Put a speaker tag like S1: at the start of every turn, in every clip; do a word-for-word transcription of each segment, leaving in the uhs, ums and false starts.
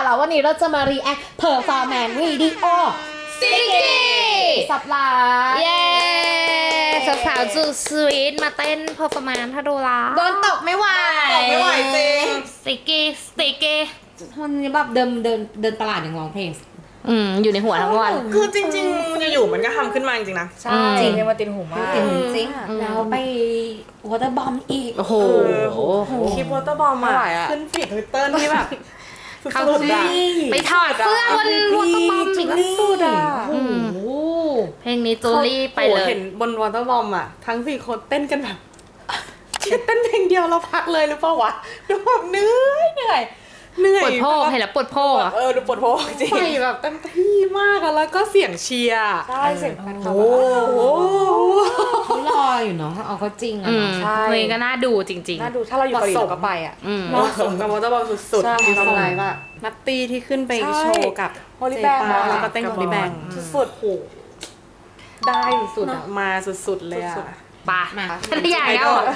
S1: แล้ววันนี้เราจะมา react performance video
S2: ซิกกี้
S1: สับลา
S2: เย้สาวๆจูสวีทมาเต้นเพอร์ฟอร์แมนซ์ถ้าดูละ
S1: โดนตกไม่ไหว
S3: ตกไม่ไหวจริง
S2: ซิกกี้ซิกกี้
S1: วันนี้แบบเดินเดินเดินตลาดยังร้องเพลง
S2: อืมอยู่ในหัวทั้งวัน
S3: คือจริงๆอยู่ๆมันก็ทำขึ้นมาจริงๆนะ
S2: ใช่
S4: จริงเนี่ยมาติดหูมาก
S1: จริงจริงแล้วไป water bomb อีก
S2: โอ้โห
S3: คลิปวอเตอร์บอม
S4: ไม่ไหว
S3: อ่ะ
S4: อะ
S3: ขึ้นฟีดทวิตเตอร์นี่แบบ
S2: เขา
S3: สุดๆอะ
S2: ไปถอดเสื้อบนวอเตอร์บอมอีก
S1: สุดอ่ะ
S2: อื
S1: โอ้
S2: ม
S1: โห
S2: เพลงนี้จูลี่ไปเล
S3: โอ้
S2: ย
S3: เห็นบนวอเตอร์บอมอ่ะ ทั้งสี่คนเต้นกันแบบเช่เต้นเพลงเดียวเราพักเลยหรือเปล่าวะดูแบบเหนื่อยเหนื่อยเหนื่อย
S2: ปวดโพกเห็นแล้วปวดโพกอะ
S3: เออดูปวดโพกจริงใส่แบบเต็มที่มากอะแล้วก็เสียงเชียร์
S4: ใช่เสียงแฟนคลับ
S3: โอ้โห
S1: เขารออยู่เนาะเอาเขาจริงอะ
S2: อืม
S1: เนาะ
S4: ใช่
S2: เพลงก็น่าดูจริง
S4: น่าดูถ้าเราอยู่เกาหลีเราก็ไปอ่ะ
S2: ๆ อืม
S3: เหมาะสมกับวอเตอร์บอมสุด
S4: ใช่
S3: ๆมีความไรว่านัตตี้ที่ขึ้นไป
S4: ใช่
S3: โชว์กับ
S4: Holy
S3: เจ
S4: Bang
S3: ปา
S4: อะ
S3: แล้วก็เต้นกับ Holy Bang
S4: สุด
S3: โอ้โหได้สุดๆอะมาสุดๆเลยอะ
S2: ปะ
S1: มา
S2: พัทยาแล้วอ่ะ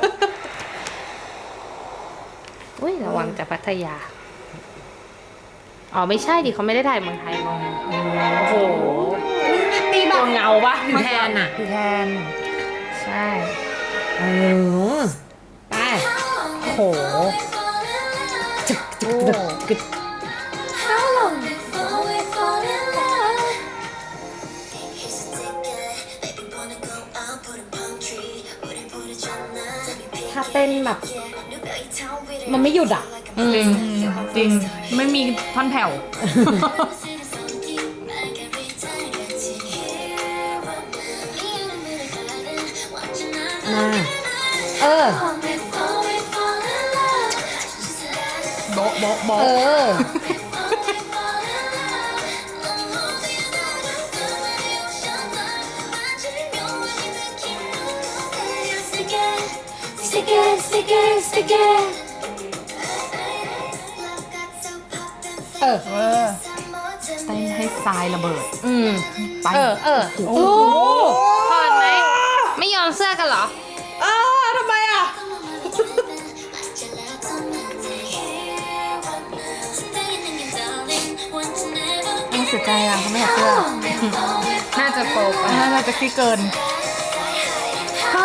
S2: อุ้ยระวังจะพัทยา อ๋อไม่ใช่ดิเขาไม่ได้ถ่ายเมืองไทยมองโอ้โห
S1: ตีแบบ
S2: เงาปะ
S1: แทนอะ
S4: พี่แทน
S2: ใช่
S1: เออไป
S2: โอ้โห
S1: จึกจึกจึกจึก ถ้าเต้นแบบ มันไม่หยุดอ่ะ
S2: อืม
S4: จริงไม่มีท่อนแผ่ว
S1: มา เออ
S4: โบ๊ะโบ๊ะโบ๊ะ
S1: เออ
S5: Stick it, stick it, stick it.
S1: เออ
S4: เออเต้นให้ทรายระเบิด
S2: อืม
S4: ไป
S2: เออ เออ
S1: โอ้
S2: ถอดไหม ไม่ยอมเสื้อกันเหรอ
S3: อ้าวทำไมอะ
S4: ต้องเสียใจอ่ะเขาไม่อยากเสื้อ
S2: น่าจะโป๊กอะ
S4: น่าจะเซ็กซี่เกิน
S1: เข้า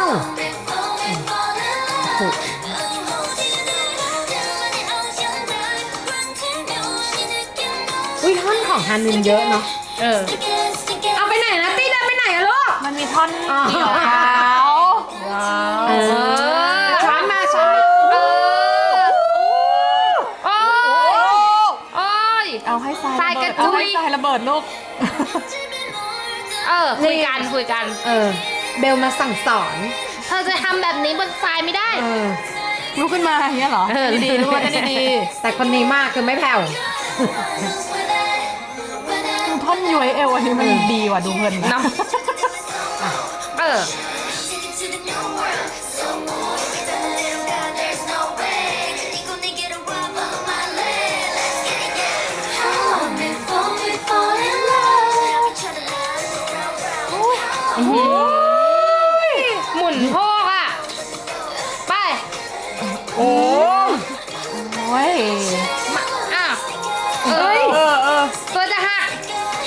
S1: อุ้ยท่อนของฮานินเยอะเนาะ
S2: เออ
S1: เอาไปไหนนะตีเดินไปไหนอะลูก
S4: มันมีท่อน
S1: อ๋อ
S4: เกี่ยวขาว
S1: เออช้อนมาช้อน
S2: เออ โอ้ย โอ้ย
S4: เอาให้ทราย
S2: ทราย
S4: ระ
S2: ก
S4: เบิ
S2: ระ
S4: ด
S2: จุ
S4: เอา
S2: ย
S4: ให้ทรายระเบิดลูก
S2: เออ คุยกันคุยกัน
S1: เออ เบลมาสั่งสอน
S2: เธอจะทำแบบนี้บนทรายไม่ได้
S1: เออ
S4: ลุกขึ้นมาอย่างเงี้ยเหรอ
S2: เออ
S4: ดีๆลูกเต้นดี
S1: แต่คนนี้มากคือไม่แผ่ว
S4: ๆท่อนย้วยเอวอันนี้มันดีว่ะดูเพลินนะ
S2: เนาะ เออ หมุนโพกอ่ะ ไป
S4: โอ้โอ้ย
S2: มาอ่ะเอ
S4: เอ้
S2: อย
S4: เออเออ
S2: ตัวจะหัก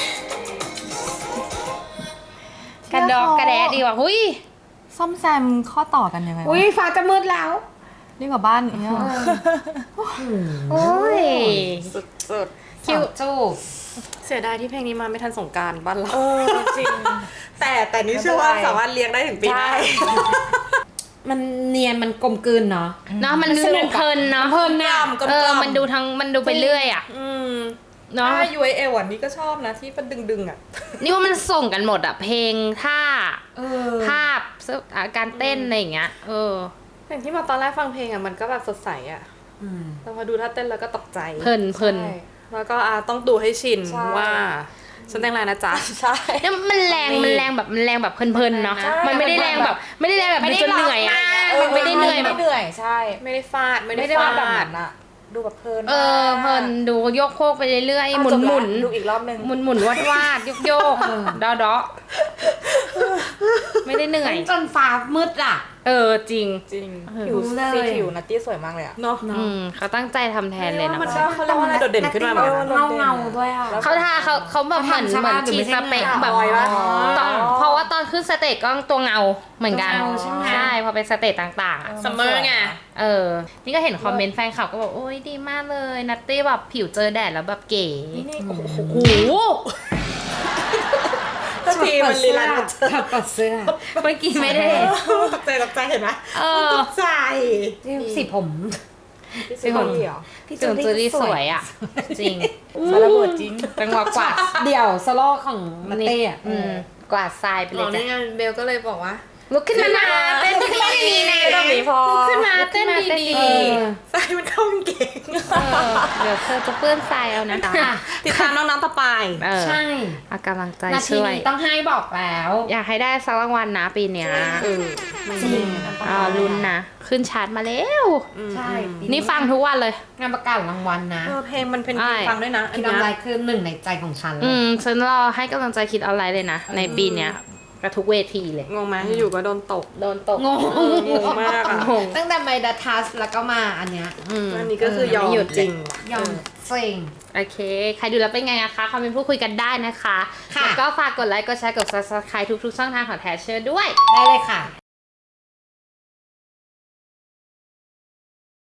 S2: กระดอกกระแดะดีกว่าหุย
S4: ซ่อมแซมข้อต่อกันยังไงวะ
S1: อุ้ยฟ้าจะมืดแล้ว
S4: ดีกว่าบ้านอย่างเงี้ยเหรอ
S2: โอ้ย
S3: สุด
S2: คิว
S1: จูบ
S3: ๆเสียดายที่เพลงนี้มาไม่ทันสงกรารบ้านเรา
S4: เออจริง
S3: แต่แต่นี่เชื่อว่าสามารถเลี้ยงได้ถึงปีหน้า
S4: ใช่
S1: มันเนียนมันกลมกลืนเนาะ
S2: เนาะมันดูเพลินเนาะ
S1: เพลินนะ
S3: กลมๆ
S2: เออ มันดูทั้งมันดูไปเรื่อยอ่ะ
S3: อืม
S2: เนาะ
S3: ถ้ายูเอเอวันนี้ก็ชอบนะที่มันดึงๆอ่ะ
S2: นี่ว่ามันส่งกันหมดอ่ะ เพลงท่า
S1: เออ
S2: ภาพเสื้ออ่ะการเต้นอะไรอย่างเงี้ย เออ
S3: อย่างที่มาตอนแรกฟังเพลงอ่ะมันก็แบบสดใสอ่ะ
S1: อืม
S3: แต่พอดูท่าเต้นแล้วก็ตกใจ
S2: เพลินเพลิน
S4: ใช่
S3: แล้วก็อ่ะต้องดูให้ชิน
S4: ใช่
S3: ว่าฉันแต่งอะไรนะจ๊ะ
S4: ใช่
S2: แล้วมันแรงมันแรงแบบมันแรงแบบเพลินๆเนาะ
S4: ใช่
S2: มันไม่ได้แรงแบบ ไม่ได้แรงแบบดูจนเหนื่อยอ่ะ มันไม่ได้เหนื่อยแบบ
S4: ไม่เหนื่อยใช่
S3: ไม่ได้ฟาดไม่
S4: ไม่
S3: ได้
S4: ได้
S3: ฟา
S4: ว่าแบบ
S3: ด
S4: นั้นอะดูแบบเพลิน
S2: เออเพลินดูโยกโคกไปเรื่อยๆหมุนหมุน
S4: ดูอีกรอบนึง
S2: หมุนหมุนวาดวาดโยกโยกดอดอไม่ได้เหนื่อย
S1: จนฟ้ามืดอ่ะ
S2: เออจริง
S4: จริง
S2: เออ
S4: ผิวสีผิวนัตตี้สวยมากเลยอะ
S3: เนาะ
S2: อืมเขาตั้งใจทำแทนเลยนะ
S3: มันก็เขาเรียกว่าอะไรโดดเด่นขึ้นมาเหมือนกันนะ
S1: เงาเงาๆด้วยอ่ะ
S2: เขาทาเขาเขาแบบเหมือน
S1: เขาทำใช่
S2: เหมื
S1: ปะ
S2: อน
S1: หรือ
S2: ชี
S1: ไม่
S2: ส
S1: ใช่
S2: เปค
S1: เงา
S2: แบบ
S3: ออยปะ
S2: ตอนเพราะว่าตอนขึ้นสเตจก็ตัวเงาเหมือนกัน
S1: เงาใช่ไหม
S2: ใช่พอเป็นสเตจต่างๆอะ
S3: ซัมเมอร์ไง
S2: เออ นี่ก็เห็นคอมเมนต์แฟนคลับก็บอกโอ้ยดีมากเลยนัตตี้แบบผิวเจอแดดแล้วแบบเก๋
S4: นี่นี่
S3: โอ้โห
S2: โอ้โห
S3: ทันทีมันลีลาเจอ
S1: ถับปัดเสื้อ
S2: เมื่อกี้ไม่ได้
S3: ตกใจตกใจเห็นไหม
S2: เออ
S3: ตกใจ
S1: สีผม
S4: พี่ซีของเหรอ
S1: พี่
S2: จนจูรี่สวยอ่ะ จริง
S4: สารระเบิดจริง
S2: จังหวะกวาด
S1: เดี่ยวสโลว์ของมาเต้อะ
S2: อืมกวาดทรายไปเล
S3: อ๋อย นี่
S2: จ้ะ
S3: ไงเบลก็เลยบอกว่า
S2: ลุกขึ้นมานะเต้นดีๆนะ
S4: แบบนี้พอ
S3: ลุกขึ้นมา
S2: ลุกขึ้
S3: เต้น
S2: นมาเต้น
S3: ดี
S2: ดี
S3: ๆใส่มันเข้ากางเก่ง
S2: เออเดี๋ยวเธอจะเปื้อนทรายเอานะ
S3: ติดตามน้องๆต่อไป
S2: เออ
S1: ใช่
S2: เอากำลังใจ
S1: นาที
S2: ช่วย
S1: นี้ต้องให้บอกแล้ว
S2: อยากให้ได้สักรางวัลนะปีเนี้ย
S3: เออมัน
S1: จริง
S2: อ่าลุ้นนะ ขึ้นชาร์ตมาแล้ว
S1: ใช่ปี
S2: นี่ฟังทุกวันเลย
S1: งานประกาศรางวัลนะ
S3: เออเพลงมันเป็นเพลง
S2: ใช่
S3: ฟังด้วยนะอัน
S1: คิด
S3: เนี้
S1: อะไร
S3: ย
S1: คือหนึ่งในใจของฉันเล
S2: อื
S1: ย
S2: มฉันรอให้กำลังใจคิดเอาไรเลยนะ ในปีเนี้ยกระทุกเวทีเลย
S3: งงไหมอยู่ๆก็โดนตก
S2: โดนตก
S1: งง
S3: งงมากอ่ะ
S2: งง
S1: ตั้งแต่ไมดัทัสแล้วก็มาอันเนี้ย
S2: อืม
S3: อันนี้ก็คือยอม
S2: ไม่หยุด
S3: จริง
S1: ยอมเซ็ง
S2: โอเค ใครดูแล้วเป็นไงนะคะคอมเมนต์พูดคุยกันได้นะคะ
S1: ค่ะ
S2: แล้วก็ฝากกดไลค์ กดแชร์ กด ซับสไครบ์ ทุกๆช่องทางของแทชเชอร์ด้วย
S1: ได้เลยค่ะ